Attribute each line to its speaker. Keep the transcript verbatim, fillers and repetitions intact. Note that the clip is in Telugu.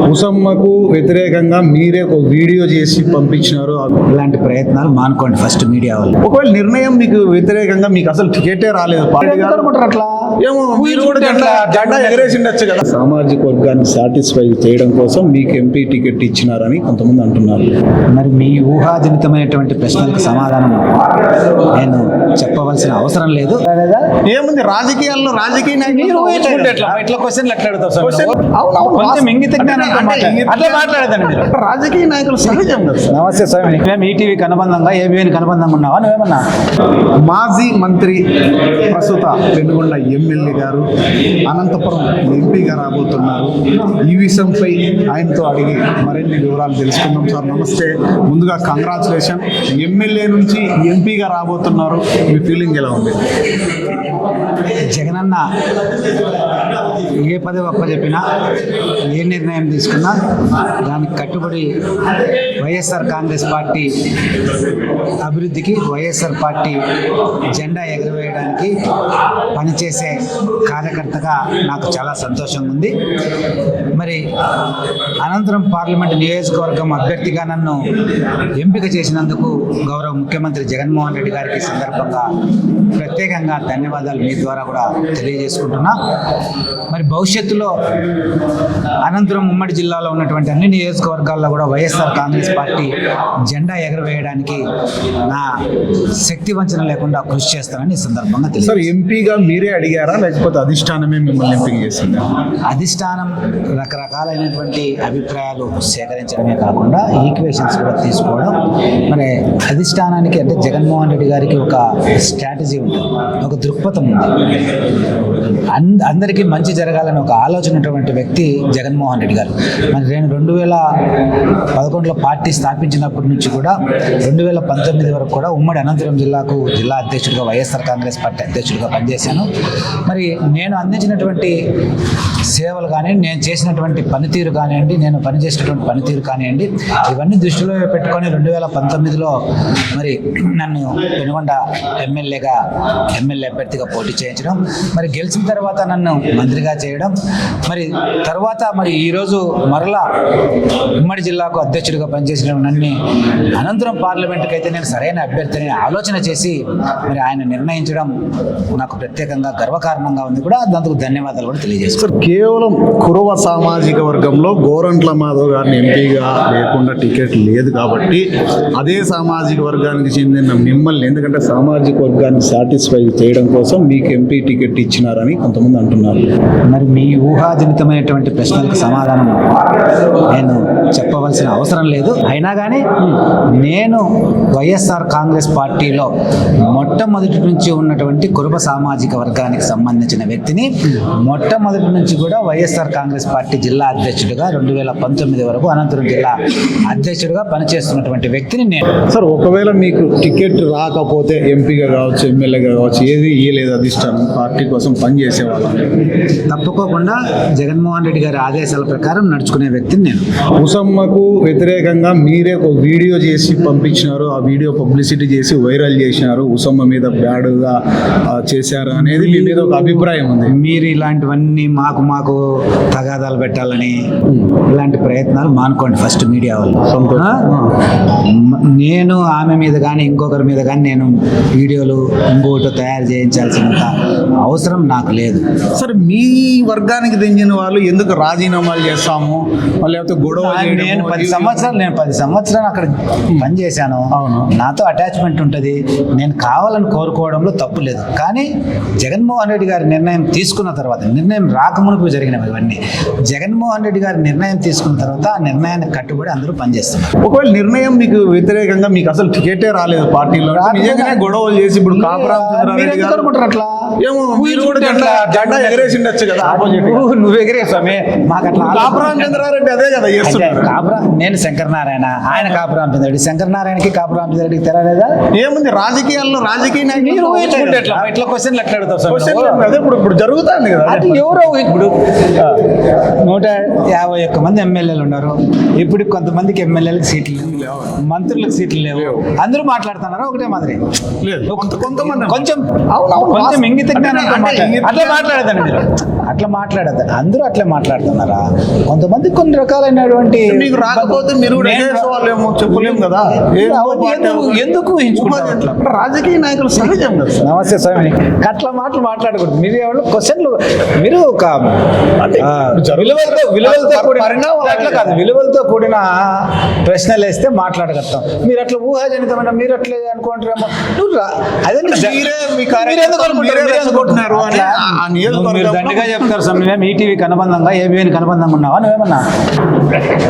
Speaker 1: ఉసమ్మకు వ్యతిరేకంగా మీరే ఒక వీడియో చేసి పంపించినారు.
Speaker 2: ఇలాంటి ప్రయత్నాలు మానుకోండి ఫస్ట్ మీడియా వాళ్ళు.
Speaker 1: ఒకవేళ నిర్ణయం మీకు వ్యతిరేకంగా మీకు అసలు టికెటే రాలేదు పార్టీ గారు
Speaker 2: అట్లా
Speaker 1: ఏమో మీరు కూడా జెండా జెండా ఎగరేసి ఉండొచ్చు కదా. సామాజిక వర్గాన్ని సాటిస్ఫై చేయడం కోసం మీకు ఎంపీ టికెట్ ఇచ్చినారని కొంతమంది అంటున్నారు.
Speaker 2: మరి మీ ఊహాజనితమైనటువంటి ప్రశ్నలకు సమాధానం నేను చెప్పవలసిన అవసరం లేదు.
Speaker 1: ఏముంది రాజకీయాల్లో రాజకీయ నాయకులు
Speaker 2: ఇట్లా క్వశ్చన్లు ఎట్లా అడుగుతావు సార్?
Speaker 1: అవును, అవును.
Speaker 2: కొంచెం ఇంగిత జ్ఞానంతో మాట్లాడండి. అట్లా మాట్లాడదండి మీరు.
Speaker 1: రాజకీయ నాయకులు సహజం కదా.
Speaker 2: నమస్తే స్వామి. మేము ఈటీవీకి అనుబంధంగా ఏబీఎన్కి అనుబంధంగా ఉన్నావా నువ్వేమన్నా?
Speaker 1: మాజీ మంత్రి ప్రస్తుత పెనుగొండ ఎమ్మెల్యే గారు అనంతపురం ఎంపీగా రాబోతున్నారు. ఈ విషయంపై ఆయనతో అడిగి మరిన్ని వివరాలు తెలుసుకుందాం. సార్ నమస్తే. ముందుగా కంగ్రాచులేషన్, ఎమ్మెల్యే నుంచి ఎంపీగా రాబోతున్నారు. మీ ఫీలింగ్ ఎలా ఉంది?
Speaker 2: జగనన్న ఏ పదవి అప్ప చెప్పినా ఏ నిర్ణయం తీసుకున్నా దానికి కట్టుబడి వైఎస్ఆర్ కాంగ్రెస్ పార్టీ అభివృద్ధికి, వైఎస్ఆర్ పార్టీ జెండా ఎగురవేయడానికి పనిచేసే కార్యకర్తగా నాకు చాలా సంతోషంగా ఉంది. మరి అనంతరం పార్లమెంటు నియోజకవర్గం అభ్యర్థిగా నన్ను ఎంపిక చేసినందుకు గౌరవ ముఖ్యమంత్రి జగన్మోహన్ రెడ్డి గారికి సందర్భంగా ప్రత్యేకంగా ధన్యవాదాలు మీ ద్వారా కూడా తెలియజేసుకుంటున్నా. మరి భవిష్యత్తులో అనంతరం ఉమ్మడి జిల్లాలో ఉన్నటువంటి అన్ని నియోజకవర్గాల్లో కూడా వైఎస్ఆర్ కాంగ్రెస్ పార్టీ జెండా ఎగరవేయడానికి నా శక్తి వంచన లేకుండా కృషి చేస్తానని ఈ సందర్భంగా తెలియదు.
Speaker 1: సార్ ఎంపీగా మీరే అడిగారా లేకపోతే అధిష్టానమే మిమ్మల్ని ఎంపిక చేసిందా?
Speaker 2: అధిష్టానం రకరకాలైనటువంటి అభిప్రాయాలు సేకరించడమే కాకుండా ఈక్వేషన్స్ కూడా తీసుకోవడం. మరి అధిష్టానానికి అంటే జగన్మోహన్ రెడ్డి గారికి ఒక స్ట్రాటజీ ఉంటుంది, ఒక దృక్పథం ఉంది. అంద అందరికీ మంచి జరగాలని ఒక ఆలోచన ఉన్నటువంటి వ్యక్తి జగన్మోహన్ రెడ్డి గారు. మరి నేను రెండు వేల పదకొండులో పార్టీ స్థాపించినప్పటి నుంచి కూడా రెండు వేల పంతొమ్మిది వరకు కూడా ఉమ్మడి అనంతపురం జిల్లాకు జిల్లా అధ్యక్షుడిగా వైఎస్ఆర్ కాంగ్రెస్ పార్టీ అధ్యక్షుడిగా పనిచేశాను. మరి నేను అందించినటువంటి సేవలు కానివ్వండి, నేను చేసినటువంటి పనితీరు కానివ్వండి, నేను పనిచేసినటువంటి పనితీరు కానివ్వండి, ఇవన్నీ దృష్టిలో పెట్టుకొని రెండు వేల పంతొమ్మిదిలో మరి నన్ను పెనుగొండ ఎమ్మెల్యేగా ఎమ్మెల్యే అభ్యర్థిగా పోటీ చేయించడం, మరి గెలిచిన తర్వాత నన్ను మంత్రిగా చేయడం, మరి తర్వాత మరి ఈరోజు మరలా ఉమ్మడి జిల్లాకు అధ్యక్షుడిగా పనిచేసిన నన్ను అనంతరం పార్లమెంటుకి అయితే నేను సరైన అభ్యర్థిని ఆలోచన చేసి మరి ఆయన నిర్ణయించడం నాకు ప్రత్యేకంగా గర్వకారణంగా ఉంది కూడా. అందుకు ధన్యవాదాలు కూడా తెలియజేస్తాను.
Speaker 1: కేవలం కురవ సామాజిక వర్గంలో గోరంట్ల మాధవ్ గారిని ఎంపీగా లేకుండా టికెట్ లేదు కాబట్టి అదే సామాజిక వర్గానికి చెందిన మిమ్మల్ని, ఎందుకంటే సామాజిక వర్గాన్ని సాటిస్ఫై చేయడం కోసం మీకు ఎంపీ టికెట్ ఇచ్చినారని కొంతమంది అంటున్నారు.
Speaker 2: మరి మీ ఊహాజనితమైనటువంటి ప్రశ్నలకు సమాధానం నేను చెప్పవలసిన అవసరం లేదు. అయినా కానీ నేను వైఎస్ఆర్ కాంగ్రెస్ పార్టీలో మొట్టమొదటి నుంచి ఉన్నటువంటి కురుబ సామాజిక వర్గానికి సంబంధించిన వ్యక్తిని. మొట్టమొదటి నుంచి కూడా వైఎస్ఆర్ కాంగ్రెస్ పార్టీ జిల్లా అధ్యక్షుడిగా రెండు వేల పంతొమ్మిది వరకు అనంతపురం జిల్లా అధ్యక్షుడిగా పనిచేస్తున్నటువంటి వ్యక్తిని నేను.
Speaker 1: సార్ ఒకవేళ మీకు టికెట్ రాకపోతే ఎంపీగా కావచ్చు, ఎమ్మెల్యేగా కావచ్చు, ఏది ఇయ్యలేదు అధిష్టానం పార్టీ కోసం పనిచేసేవాళ్ళం?
Speaker 2: తప్పుకోకుండా జగన్మోహన్ రెడ్డి గారి ఆదేశాల ప్రకారం నడుచుకునే వ్యక్తిని నేను.
Speaker 1: ఉసమ్మకు వ్యతిరేకంగా మీరే ఒక వీడియో చేసి పంపించినారు. ఆ వీడియో పబ్లిసిటీ చేసి వైరల్ చేసినారు. ఉసమ్మ మీద బ్యాడ్గా చేశారు అనేది మీ మీద ఒక అభిప్రాయం ఉంది.
Speaker 2: మీరు ఇలాంటివన్నీ మాకు మాకు తగాదాలు పెట్టాలని ఇలాంటి ప్రయత్నాలు మానుకోండి ఫస్ట్ మీడియా వాళ్ళు. నేను ఆమె మీద కానీ ఇంకొకరి మీద కానీ నేను వీడియోలు ఇంకోటి తయారు చేయించాల్సినంత అవసరం నాకు లేదు.
Speaker 1: సరే మీ వర్గానికి చెందిన వాళ్ళు ఎందుకు రాజీనామాలు చేస్తాము లేకపోతే గొడవ?
Speaker 2: నేను పది సంవత్సరాలు నేను పది సంవత్సరాలు అక్కడ పనిచేశాను.
Speaker 1: అవును,
Speaker 2: నాతో అటాచ్మెంట్ ఉంటుంది. నేను కావాలని కోరుకోవడంలో తప్పు లేదు. కానీ జగన్మోహన్ రెడ్డి గారి నిర్ణయం తీసుకున్న తర్వాత, నిర్ణయం రాకమునుపు జరిగినవి ఇవన్నీ, జగన్మోహన్ రెడ్డి గారి నిర్ణయం తీసుకున్న తర్వాత ఆ నిర్ణయానికి కట్టుబడి అందరూ పనిచేస్తున్నారు.
Speaker 1: ఒకవేళ నిర్ణయం మీకు వ్యతిరేకంగా మీకు అసలు టికెటే రాలేదు పార్టీలో, నిజంగానే గొడవలు చేసి ఇప్పుడు కాపురామచంద్రారెడ్డి గారు
Speaker 2: అట్లా
Speaker 1: ఏమో మీరు కూడా జెండా జెండా ఎగరేసి ఉండొచ్చు కదా.
Speaker 2: నువ్వు ఎగిరే స్వామి, మాకు అట్లా
Speaker 1: కాపురామచంద్రారెడ్డి అదే కదా చేస్తున్నారు.
Speaker 2: కాపురా నేను శంకరనారాయణ, ఆయన కాపురామచంద్రుడు. శంకరనారాయణకి కాపురామచంద్రుడికి తెరలేదా?
Speaker 1: ఏముంది రాజకీయాల్లో రాజకీయ నాయకులు
Speaker 2: ఎట్లా ఇట్లా క్వశ్చన్లు ఎట్లా అడుగుతావు?
Speaker 1: అదే ఇప్పుడు ఇప్పుడు జరుగుతుంది కదా.
Speaker 2: అది ఎవరో ఇప్పుడు నూట యాభై ఒక్క మంది ఎమ్మెల్యేలు ఉన్నారు. ఇప్పుడు కొంతమందికి ఎమ్మెల్యేలకు సీట్లు లేవు, మంత్రులకు సీట్లు లేవు. అందరూ మాట్లాడుతున్నారా ఒకటే మాదిరి?
Speaker 1: కొంత- కొంతమంది
Speaker 2: కొంచెం
Speaker 1: అవునవును.
Speaker 2: కొంచెం ఇంగిత జ్ఞానంతో
Speaker 1: అంటే
Speaker 2: మాట్లాడ-
Speaker 1: ఇంగిత
Speaker 2: అట్లా మాట్లాడదండి మీరు, అట్లా మాట్లాడద్దు. అందరూ అట్లా మాట్లాడుతున్నారా? కొంతమంది కొన్ని రకాలైనటువంటి
Speaker 1: మీకు రాకపోతే మీరు కూడా
Speaker 2: నేను-
Speaker 1: వాళ్ళేమో చెప్పలేము కదా. ఏ
Speaker 2: అవన్నీ
Speaker 1: పార్టీ
Speaker 2: ఎందుకు ఎందుకు ఊహించుకుంటారు అట్లా?
Speaker 1: అంటే రాజకీయ నాయకులు సహజం కదా సార్.
Speaker 2: నమస్తే స్వామి, అట్లా మాటలు మాట్లాడకూడదు. మీరు ఎవరు క్వశ్చన్లు మీరు ఒక
Speaker 1: అంటే
Speaker 2: ఆ, విలువలతో విలువలతో కూడిన
Speaker 1: పరిణామాలు
Speaker 2: అట్లా కాదు, విలువలతో కూడిన ప్రశ్నలు వేస్తే మాట్లాడగలుగుతాం. మీరు అట్లా ఊహాజనితమైన మీరు అట్లే అనుకుంటారేమో. నువ్వు రా- అదండి జ-
Speaker 1: మీరే మీ
Speaker 2: మీరు
Speaker 1: కార్యకర్తలు
Speaker 2: ఎందుకు అనుకుంటారు?
Speaker 1: మీరే
Speaker 2: మీరు ఎందుకు
Speaker 1: రెచ్చగొట్టినారు అని
Speaker 2: అట్లా
Speaker 1: ఆ- ఆ
Speaker 2: నువ్వు మీరు
Speaker 1: నియోజకవర్గంలో
Speaker 2: దండిగా చెప్తారు స్వామి. మేము ఈటీవీకి అనుబంధంగా ఏబిఎన్కి అనుబంధంగా ఉన్నావా నువ్వేమన్నా?